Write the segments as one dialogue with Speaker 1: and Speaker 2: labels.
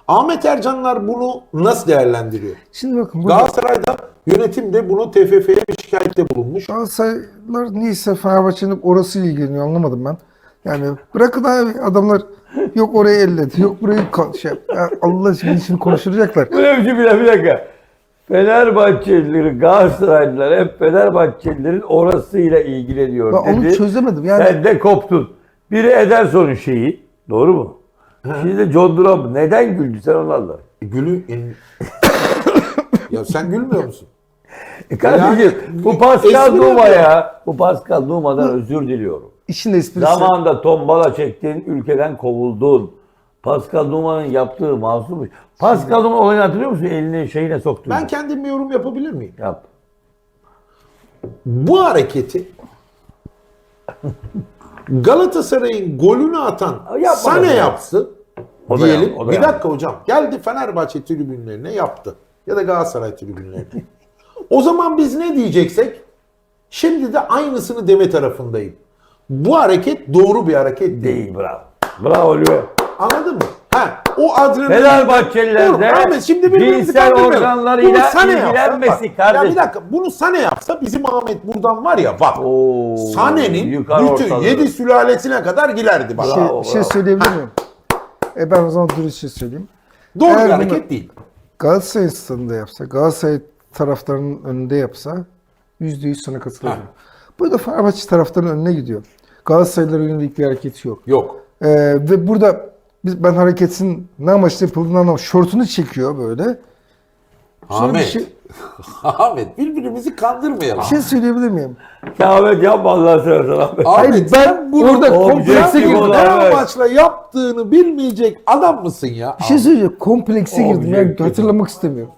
Speaker 1: Ahmet Ercanlar bunu nasıl değerlendiriyor?
Speaker 2: Şimdi bakın burada
Speaker 1: Galatasaray'da yönetim de bunu TFF'ye bir şikayette bulunmuş.
Speaker 2: Galatasaraylılar niyeyse Fenerbahçe'nin orası ilgileniyor, anlamadım ben. Yani bırakın abi, adamlar yok orayı elledi, yok burayı Allah için konuşturacaklar.
Speaker 3: Bu ne biçim bir dakika. Fenerbahçeliler, Galatasaraylılar hep Fenerbahçelilerin orasıyla ilgileniyor
Speaker 2: Ben onu
Speaker 3: dedi.
Speaker 2: çözemedim. Yani
Speaker 3: Sen de koptun. Biri Ederson'un şeyi. Doğru mu? Şimdi de John Duran. Neden güldü sen onlarla?
Speaker 1: Ya sen gülmüyor musun?
Speaker 3: Kardeşim
Speaker 1: Yani,
Speaker 3: bu Pascal
Speaker 1: espri
Speaker 3: Numa
Speaker 1: yapıyor.
Speaker 3: ya. Bu Pascal Numa'dan özür diliyorum.
Speaker 2: işin esprisi.
Speaker 3: Zamanında tombala çektin, ülkeden kovuldun. Pascal Numa'nın yaptığı masummuş. Pascal Numa olayını hatırlıyor musun? Elini şeyine soktu.
Speaker 1: Ben kendim bir yorum yapabilir miyim?
Speaker 3: Yap.
Speaker 1: Bu hareketi Galatasaray'ın golünü atan
Speaker 3: Yapmadı
Speaker 1: Sane
Speaker 3: ya.
Speaker 1: yapsın
Speaker 3: O da
Speaker 1: diyelim.
Speaker 3: yap- o da
Speaker 1: Bir
Speaker 3: yap.
Speaker 1: dakika hocam. Geldi Fenerbahçe tribünlerine yaptı. Ya da Galatasaray tribünlerine. O zaman biz ne diyeceksek şimdi de aynısını deme tarafındayım. Bu hareket doğru bir hareket değil.
Speaker 3: Değil, bravo. Bravo Lüve.
Speaker 1: Anladın mı? Ha, o adrenalin...
Speaker 3: Fenerbahçeliler
Speaker 1: Dur,
Speaker 3: de
Speaker 1: Ahmet, şimdi birbirimizi
Speaker 3: cinsel
Speaker 1: kandırmayalım.
Speaker 3: organlarıyla
Speaker 1: Bunu Sane yapsa,
Speaker 3: ilgilenmesi
Speaker 1: bak,
Speaker 3: kardeşim.
Speaker 1: Ya bir dakika, bunu Sane yapsa bizim Ahmet buradan var ya bak.
Speaker 3: Oo,
Speaker 1: Sane'nin
Speaker 3: yukarı
Speaker 1: bütün
Speaker 3: ortalığı.
Speaker 1: 7 sülalesine kadar gilerdi bak.
Speaker 3: Bravo.
Speaker 2: Bir şey söyleyebilir miyim? Ben o zaman dürüst şey söyleyeyim.
Speaker 1: Doğru
Speaker 2: Eğer
Speaker 1: bir
Speaker 2: bunu
Speaker 1: hareket değil.
Speaker 2: Galatasaray stadında yapsa, Galatasaray taraftarının önünde yapsa %100 sana katılıyorum. Burada Fenerbahçe taraftarının önüne gidiyor. Galatasaraylılara yönelik bir hareketi yok.
Speaker 1: Yok.
Speaker 2: Ve burada ben hareketin ne amaçla yapıldığını anlamadım. Şortunu çekiyor böyle. Sonra
Speaker 1: Ahmet.
Speaker 2: bir şey,
Speaker 1: Ahmet, birbirimizi kandırmayalım.
Speaker 2: bir şey söyleyebilir miyim?
Speaker 3: Ahmet yapma Allah'ını seversen Ahmet.
Speaker 1: Ahmet, sen bunu
Speaker 2: orada komplekse
Speaker 3: objektif
Speaker 2: girdim.
Speaker 3: olarak-
Speaker 1: ne
Speaker 3: Evet.
Speaker 1: amaçla yaptığını bilmeyecek adam mısın ya?
Speaker 2: Bir şey söyleyeceğim. Komplekse girdim. Yani
Speaker 3: Objektif.
Speaker 2: hatırlamak istemiyorum.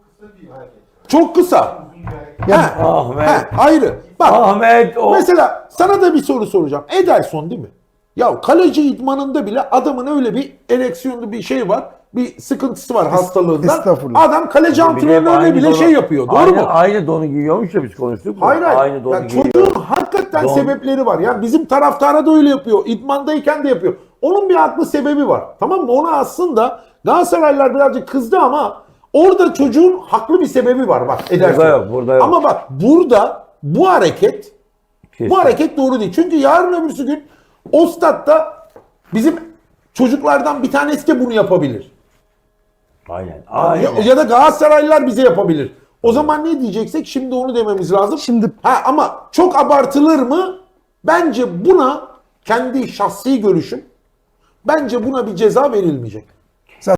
Speaker 1: Çok kısa.
Speaker 2: Ya
Speaker 3: Ahmet.
Speaker 1: Ayrı. Bak.
Speaker 3: Ahmet o.
Speaker 1: Mesela sana da bir soru soracağım. Ederson değil mi? Ya kaleci idmanında bile adamın öyle bir ereksiyonlu bir şey var. Bir sıkıntısı var hastalığından.
Speaker 2: estağfurullah.
Speaker 1: Adam kaleci
Speaker 3: Bir de
Speaker 1: antrenörüne
Speaker 3: aynı
Speaker 1: bile
Speaker 3: donu-
Speaker 1: şey yapıyor. Doğru
Speaker 3: aynı,
Speaker 1: mu?
Speaker 3: Aynı donu giyiyormuş ya biz konuştuk mu?
Speaker 1: Hayır hayır.
Speaker 3: Aynı donu
Speaker 1: Ya
Speaker 3: giyiyor.
Speaker 1: çocuğun hakikaten
Speaker 3: Don-
Speaker 1: sebepleri var. Ya bizim taraftara da öyle yapıyor. İdmandayken de yapıyor. Onun bir haklı sebebi var. Tamam mı? Ona aslında Galatasaraylılar birazcık kızdı ama orada çocuğun haklı bir sebebi var. Bak Ederson.
Speaker 3: Burada yok, burada yok.
Speaker 1: Ama bak burada bu hareket
Speaker 3: Kesin.
Speaker 1: bu hareket doğru değil. Çünkü yarın öbürsü gün o statta bizim çocuklardan bir tanesi de bunu yapabilir.
Speaker 3: Aynen. Aynen.
Speaker 1: Ya da Galatasaraylılar bize yapabilir. O zaman ne diyeceksek şimdi onu dememiz lazım.
Speaker 2: Şimdi-
Speaker 1: ama çok abartılır mı? Bence buna kendi şahsi görüşüm. Bence buna bir ceza verilmeyecek.